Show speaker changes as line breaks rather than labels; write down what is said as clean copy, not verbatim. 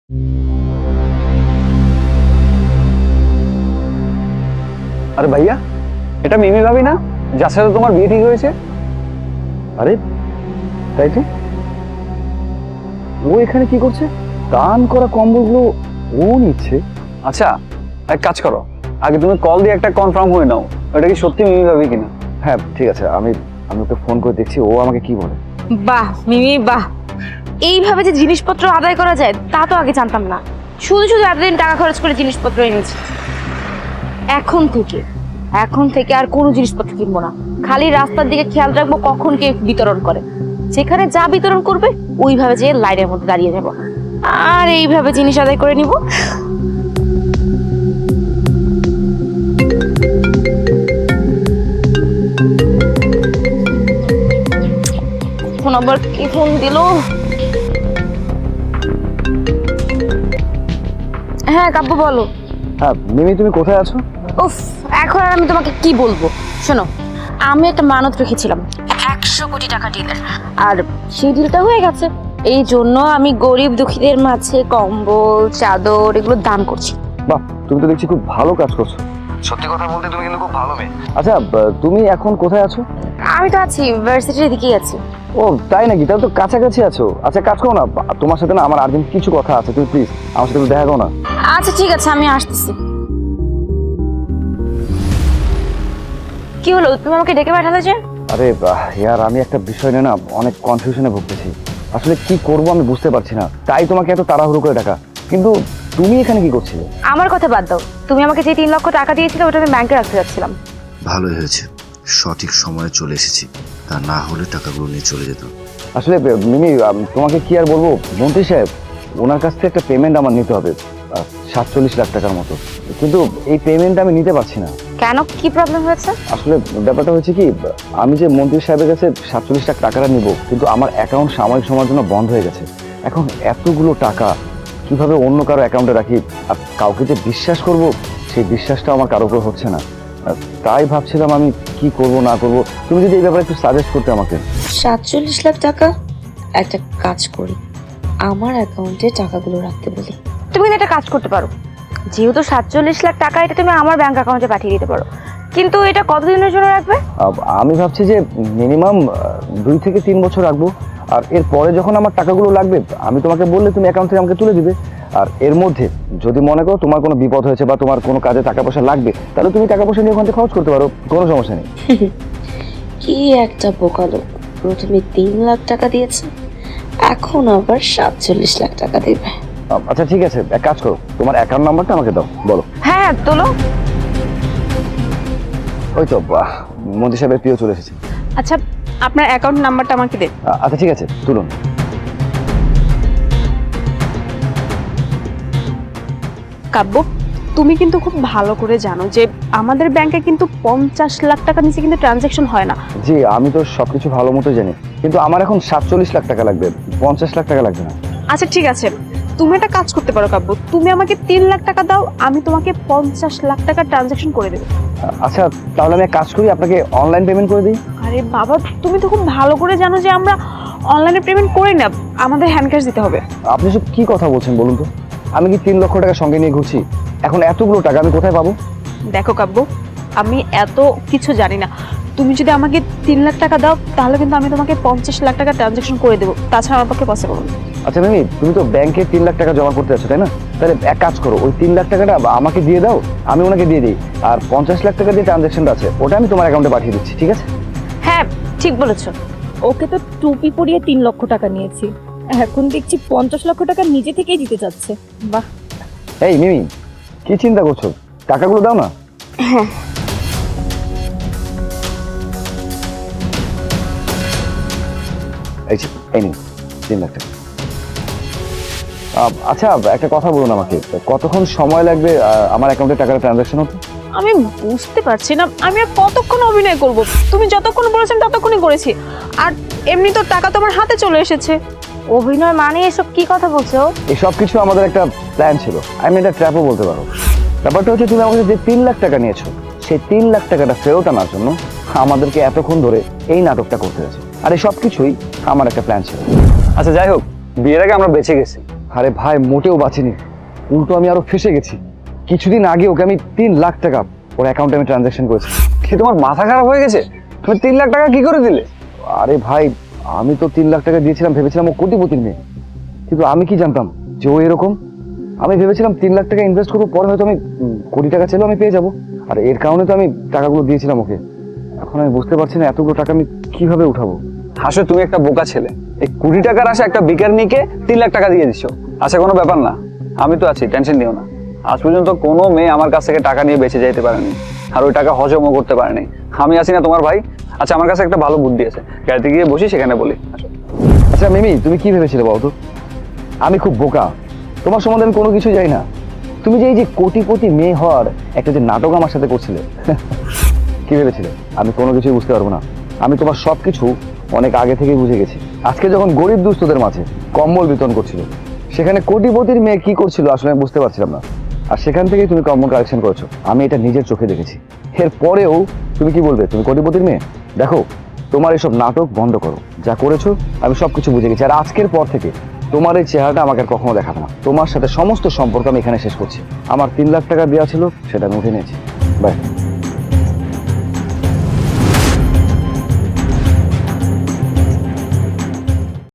আরে ভাইয়া, এটা মিমি ভাবি না, যার সাথে তোমার বিয়ে ঠিক হয়েছে? আরে তাই তো, ও এখানে কি করছে? দান করা কম্বলগুলো ও নিচ্ছে। আচ্ছা, এক কাজ করো, আগে তুমি কল দিয়ে একটা কনফার্ম হয়ে নাও এটা কি সত্যি মিমি ভাবি কিনা। হ্যাঁ ঠিক আছে, আমি ওকে ফোন করে দেখছি ও আমাকে কি বলে।
বাহ মিমি বাহ, এইভাবে যে জিনিসপত্র আদায় করা যায় তা তো আগে জানতাম না। শুধু শুধু এতদিন টাকা খরচ করে জিনিসপত্র এনেছি। এখন থেকে আর কোনো জিনিসপত্র কিনবো না, খালি রাস্তার দিকে খেয়াল রাখবো কখন কে বিতরণ করে। যেখানে যা বিতরণ করবে ওইভাবে যে লাইনের মধ্যে দাঁড়িয়ে যাবো আর এইভাবে জিনিস আদায় করে নিব। ফোন আবার কি ফোন দিল? হ্যাঁ কাব্য বলো।
হ্যাঁ মিমি, তুমি কোথায় আছো?
উফ, এখন আর আমি তোমাকে কি বলবো। শোনো, আমি একটা মানত রেখেছিলাম 100 কোটি টাকা ডিলের, আর সেই ডিলটা হয়ে গেছে। এই জন্য আমি গরিব দুঃখীদের মাঝে কম্বল চাদর এগুলো দান করছি।
বাহ, তুমি তো দেখছি খুব ভালো কাজ করছো। সত্যি কথা বলতে তুমি কিন্তু খুব ভালো মেয়ে। আচ্ছা, তুমি এখন কোথায় আছো?
আমি তো আছি ইউনিভার্সিটির দিকেই আছি।
ও তাই নাকি? তাহলে তো কাছাকাছি আছো। আচ্ছা কাজ করো না, তোমার সাথে না আমার আর্জেন্ট কিছু কথা আছে, তুমি প্লিজ আমার সাথে একটু দেখা করো না।
আচ্ছা ঠিক আছে, আমি আসতেছি। কি হলো, তুমি আমাকে ডেকে পাঠালে যে?
আরে ইয়ার, আমি একটা বিষয় নিয়ে না অনেক কনফিউশনে ভুগতেছি। আসলে কি করব আমি বুঝতে পারছি না, তাই তোমাকে এত তাড়াহুড়ো করে ডাকা। কিন্তু তুমি এখানে কি করছিলে?
আমার কথা বাদ দাও, তুমি আমাকে যে 3 লক্ষ টাকা দিয়েছিলে ওটা আমি ব্যাংকে রাখতে যাচ্ছিলাম।
ভালোই হয়েছে, সঠিক সময়ে চলে এসেছি, তা না হলে টাকাগুলো নিয়ে চলে যেত।
আসলে মিমি, তোমাকে কি আর বলবো, মন্ত্রী সাহেব ওনার কাছ থেকে একটা পেমেন্ট আমার নিতে হবে, 47 লাখ টাকার মতো। কিন্তু এই পেমেন্ট আমি নিতে পারছি না।
কেন, কি প্রবলেম হয়েছে?
আসলে ব্যাপারটা হচ্ছে কি, আমি যে মন্ত্রী সাহেবের কাছে 47 লাখ টাকাটা নিব, কিন্তু আমার অ্যাকাউন্ট সাময়িক সময়ের জন্য বন্ধ হয়ে গেছে। এখন এতগুলো টাকা কিভাবে অন্য কারো অ্যাকাউন্টে রাখি, আর কাউকে যে বিশ্বাস করব সেই বিশ্বাসটা আমার কারো উপর হচ্ছে না। তাই ভাবছিলাম আমি কি করব না করব, তুমি যদি এই ব্যাপারে একটু সাজেস্ট করতে আমাকে।
47 লাখ টাকা? একটা কাজ করি, আমার অ্যাকাউন্টে টাকাগুলো রাখতে বলি।
তুমি কিন্তু একটা কাজ করতে পারো, যেহেতু 47 লাখ টাকা এটা তুমি আমার ব্যাংক অ্যাকাউন্টে পাঠিয়ে দিতে পারো। কিন্তু এটা কতদিনের জন্য রাখবে?
আমি ভাবছি যে মিনিমাম 2 থেকে 3 বছর রাখবো, আর এর পরে যখন আমার টাকাগুলো লাগবে আমি তোমাকে বললে তুমি অ্যাকাউন্ট থেকে আমাকে তুলে দিবে। আর এর মধ্যে যদি মনে করো তোমার কোনো বিপদ হয়েছে বা তোমার কোনো কাজে টাকা পয়সা লাগবে, তাহলে তুমি টাকা পয়সা নিয়ে ওখান থেকে খরচ করতে পারো, কোনো সমস্যা নেই।
কি একটা বোকা লোক, প্রথমে 3 লাখ টাকা দিয়েছে, এখন আবার 47 লাখ টাকা দেবে।
আচ্ছা ঠিক আছে, এক কাজ করো, তোমার অ্যাকাউন্ট নাম্বারটা আমাকে দাও, বলো।
হ্যাঁ তোলো।
ওই তো মন্ত্রী সাহেবের প্রিয় চলে এসেছে।
আচ্ছা, আপনার অ্যাকাউন্ট নাম্বারটা আমাকে দেন।
আচ্ছা ঠিক আছে, তুলুন।
কাব্য, তুমি কিন্তু খুব ভালো করে জানো যে আমাদের ব্যাংকে কিন্তু 50 লাখ টাকা নিচে কিন্তু ট্রানজ্যাকশন হয় না।
জি, আমি তো সবকিছু ভালো মতো জানি, কিন্তু আমার এখন 47 লাখ টাকা লাগবে, 50 লাখ টাকা লাগবে না।
আচ্ছা ঠিক আছে, তুমি একটা কাজ করতে পারো কাব্য, তুমি আমাকে 3 লাখ টাকা দাও, আমি তোমাকে 50 লাখ টাকা ট্রানজ্যাকশন করে দেবো।
আচ্ছা তাহলে আমি এক কাজ করি, আপনাকে অনলাইন পেমেন্ট করে দিই।
আরে বাবা, তুমি তো খুব ভালো করে জানো যে আমরা অনলাইনে পেমেন্ট করি না, আমাদের হ্যান্ড ক্যাশ দিতে হবে।
আপনি সব কি কথা বলছেন বলুন তো? আমি কি 3 লক্ষ টাকা সঙ্গে নিয়ে ঘুরছি? এখন এতগুলো টাকা আমি কোথায় পাবো?
দেখো কাব্য, আমি এত কিছু জানি না, তুমি যদি আমাকে 3 লাখ টাকা দাও তাহলে কিন্তু আমি তোমাকে 50 লাখ টাকা ট্রানজ্যাকশন করে দেবো, তাছাড়া আমার পক্ষে পসিবল না।
আচ্ছা মিমি, তুমি তো ব্যাংকে 3 লাখ টাকা জমা করতে আছো তাই না? তাহলে এক কাজ করো, ওই 3 লাখ টাকাটা আমাকে দিয়ে দাও, আমি ওনাকে দিয়ে দিই, আর 50 লাখ টাকা যে ট্রানজ্যাকশনটা আছে ওটা আমি তোমার অ্যাকাউন্টে পাঠিয়ে দিচ্ছি, ঠিক আছে?
হ্যাঁ ঠিক বলেছো।
ওকে তো টুপি পরিয়ে 3 লক্ষ টাকা নিয়েছি, এখন দেখছি 50 লক্ষ টাকা নিজে থেকেই দিতে চাচ্ছে। বাহ,
এই মিমি, কি চিন্তা করছো? টাকাগুলো দাও না। এই যে, এই নিন 3 লাখ টাকা। আচ্ছা একটা কথা বলুন আমাকে, কতক্ষণ সময় লাগবে আমার অ্যাকাউন্টে টাকার ট্রানজ্যাকশন হতে?
আমি বুঝতে পারছি না, আমি আর কতক্ষণ অভিনয় করব? তুমি যতক্ষণ বলেছেন ততক্ষণই করেছি, আর এমনি তো টাকা তোমার হাতে চলে এসেছে।
অভিনয় মানে এসব কি কথা বলছো?
এই সব কিছু আমাদের একটা প্ল্যান ছিল, আমি এটা ট্র্যাপও বলতে পারো। ব্যাপারটা হচ্ছে তুমি আমাকে যে 3 লাখ টাকা নিয়েছো, সেই 3 লাখ টাকাটা ফেরত আনার জন্য আমাদেরকে এতক্ষণ ধরে এই নাটকটা করতে হয়েছে, আর এই সব কিছুই আমার একটা প্ল্যান ছিল। আচ্ছা যাই হোক, বিয়ের আগে আমরা বেঁচে গেছি, আরে ভাই মোটেও বাঁচিনি, উল্টো আমি আরো ফেসে গেছি। কিছুদিন আগে ওকে আমি 3 লাখ টাকা ওর অ্যাকাউন্টে আমি ট্রানজ্যাকশন করেছি।
কি তোমার মাথা খারাপ হয়ে গেছে? তুমি 3 লাখ টাকা কি করে দিলে?
আরে ভাই আমি তো 3 লাখ টাকা দিয়েছিলাম, ভেবেছিলাম ও কোটিপতির মেয়ে, কিন্তু আমি কি জানতাম যে ও এরকম। আমি ভেবেছিলাম 3 লাখ টাকা ইনভেস্ট করবো, পরে হয়তো আমি কোটি টাকা চাইলেও আমি পেয়ে যাবো। আর এর কারণে তো আমি টাকাগুলো দিয়েছিলাম ওকে। এখন আমি বুঝতে পারছি না এতগুলো টাকা আমি কিভাবে উঠাবো।
আসলে তুমি একটা বোকা ছেলে, এই 20 টাকার আশা একটা বেকার মেয়েকে 3 লাখ টাকা দিয়ে দিচ্ছ। আচ্ছা কোনো ব্যাপার না, আমি তো আছি, টেনশন নিও না। আজ পর্যন্ত কোনো মেয়ে আমার কাছ থেকে টাকা নিয়ে বেঁচে যেতে পারেনি, আর ওই টাকা হজমও করতে পারেনি। আমি আছি না তোমার ভাই? আচ্ছা আমার কাছে একটা ভালো বুদ্ধি আছে, গাড়িতে গিয়ে বসি, সেখানে বলি।
আচ্ছা মিমি, তুমি কি ভেবেছিলে বলতো? আমি খুব বোকা, তোমার সম্বন্ধে আমি কোনো কিছু জানি না। তুমি যে এই যে কোটিপতি মেয়ে হওয়ার একটা যে নাটক আমার সাথে করছিলে, কি ভেবেছিলে আমি কোনো কিছুই বুঝতে পারবো না? আমি তোমার সব কিছু অনেক আগে থেকেই বুঝে গেছি। আজকে যখন গরিব দুস্থদের মাঝে কম্বল বিতরণ করছিল, সেখানে কোটিপতির মেয়ে কি করছিল আসলে আমি বুঝতে পারছিলাম না। আর সেখান থেকেই তুমি কম্বল কালেকশন করেছো, আমি এটা নিজের চোখে দেখেছি। এর পরেও তুমি কি বলবে তুমি কোটিপতির মেয়ে? দেখো, তোমার এসব নাটক বন্ধ করো, যা করেছো আমি সবকিছু বুঝে গেছি। আর আজকের পর থেকে তোমার এই চেহারাটা আমাকে আর কখনো দেখাবে না। তোমার সাথে সমস্ত সম্পর্ক আমি এখানে শেষ করছি। আমার 3 লাখ টাকা দেওয়া ছিল, সেটা আমি উঠে নিয়েছি। বাই।